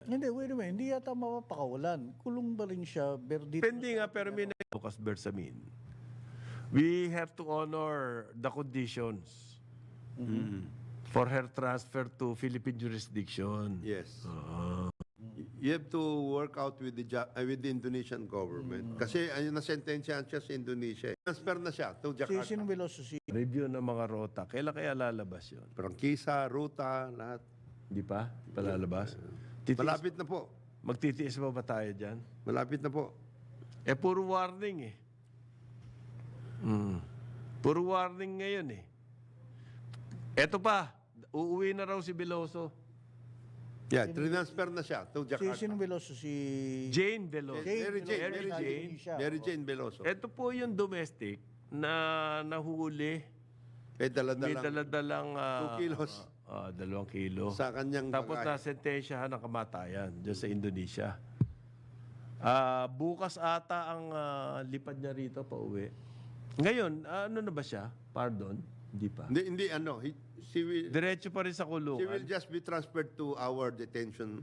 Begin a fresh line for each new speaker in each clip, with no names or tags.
Hindi, wait a minute. Hindi yata mapapakawalan. Kulong ba rin siya?
Depende nga, pero may Lucas Bersamin. We have to honor the conditions for her transfer to Philippine jurisdiction.
Yes. You have to work out with the Indonesian government. Kasi ayun, nasentensyahan siya sa Indonesia. Transfer na siya to Jakarta.
Sino Veloso?
Review ng mga rota. Kailan kaya lalabas yun?
Prangkisa, ruta, lahat.
Di pa? Palalabas?
Malapit na po.
Magtitiis ba tayo dyan?
Malapit na po.
Eh, puro warning eh. Puro warning ngayon eh. Eto pa, uuwi na raw si Veloso.
Yeah, transfer na siya to Jakarta.
Sino Veloso?
Jane Veloso.
Mary Jane Veloso.
Ito po yung domestic na nahuli.
May
May
dala-dalang
daladalang
2 kilos
2 kilo.
sa kanyang
Tapos
bagay.
nasentensyahan ng kamatayan dyan sa Indonesia. Bukas ata ang lipad niya rito pa uwi. Ngayon, ano na ba siya? Pardon? Hindi pa.
Hindi ano, she will
Diretso pa rin sa kulungan.
just be transferred to our detention.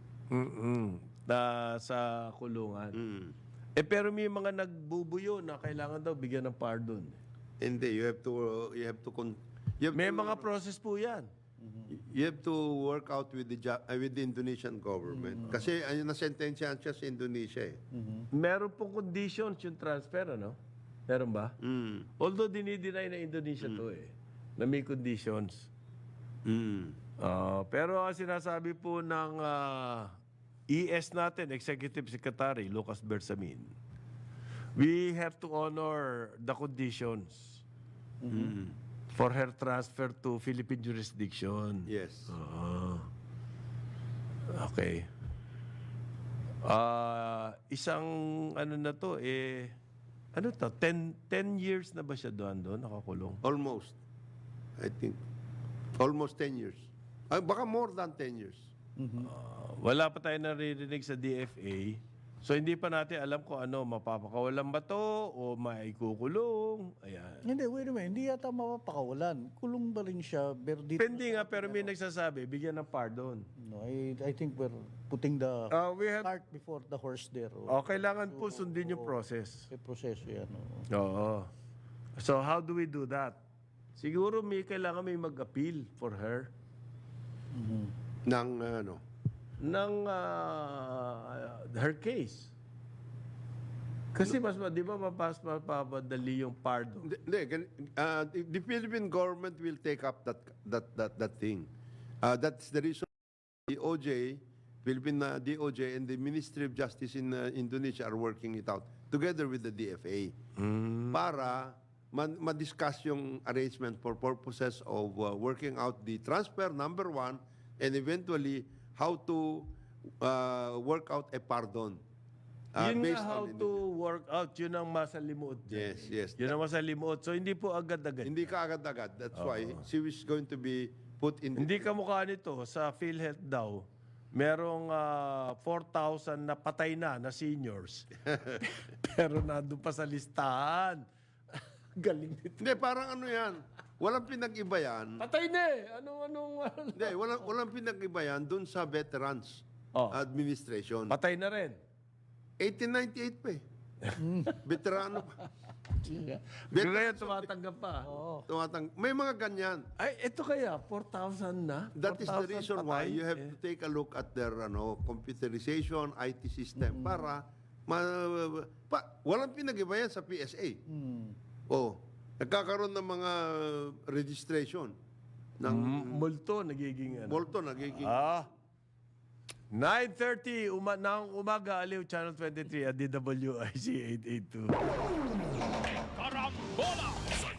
Sa kulungan. Eh pero may mga nagbubuyo na kailangan daw bigyan ng pardon.
Hindi, you have
May mga process po yan.
you have to work out with the Indonesian government. Kasi ayun, nasentensyahan siya sa Indonesia eh.
Meron pong conditions yung transfer, ano? Meron ba? Although dinideny na Indonesia to eh. Na may conditions. Pero ang sinasabi po ng ES natin, Executive Secretary Lucas Bersamin, we have to honor the conditions for her transfer to Philippine jurisdiction.
Yes.
Okay. Isang ano na to ano to? 10 years na ba siya doon nakakulong?
Almost. I think almost 10 years. Baka more than 10 years.
Wala pa tayo naririnig sa DFA. So hindi pa natin alam kung ano, mapapakawalan ba to o maikukulong. Ayan.
Hindi, wait a minute. Hindi yata mapapakawalan. Kulong ba rin siya?
Depende nga, pero may nagsasabi, bigyan ng pardon.
No, I think we're putting the cart before the horse there.
Kailangan po sundin yung process.
May proseso yan.
Oo. So how do we do that? Siguro kailangan may mag-appeal for her.
Ng ano?
Ng her case. Kasi di ba mapapadali yung pardon?
The Philippine government will take up that thing. That's the reason the DOJ, Philippine DOJ and the Ministry of Justice in Indonesia are working it out together with the DFA para ma-discuss yung arrangement for purposes of working out the transfer, number one, and eventually how to work out a pardon.
Yun nga how to work out, yun ang masalimuot.
Yes.
Yun ang masalimuot. So hindi po agad-agad.
Hindi ka agad-agad. That's why she is going to be put in...
Hindi kamukha nito, sa PhilHealth daw, merong 4,000 na patay na seniors. Pero nandun pa sa listahan. Galing nito.
Hindi, parang ano yan. Walang pinag-iba yan.
Patay na eh. Anong
Hindi, walang pinag-iba yan dun sa Veterans Administration.
Patay na rin.
1898 pa eh. Veterano pa.
Ngayon tumatanggap pa.
May mga ganyan.
Ay, ito kaya, 4,000 na?
That is the reason why
patay?
you have to take a look at their computerization, IT system para walang pinag-iba yan sa PSA. Nagkakaroon ng mga registration ng
multo nagiging ano.
Bolton, nagiging
9:30 ng umaga, Aliw Channel 23 at DWIC 882.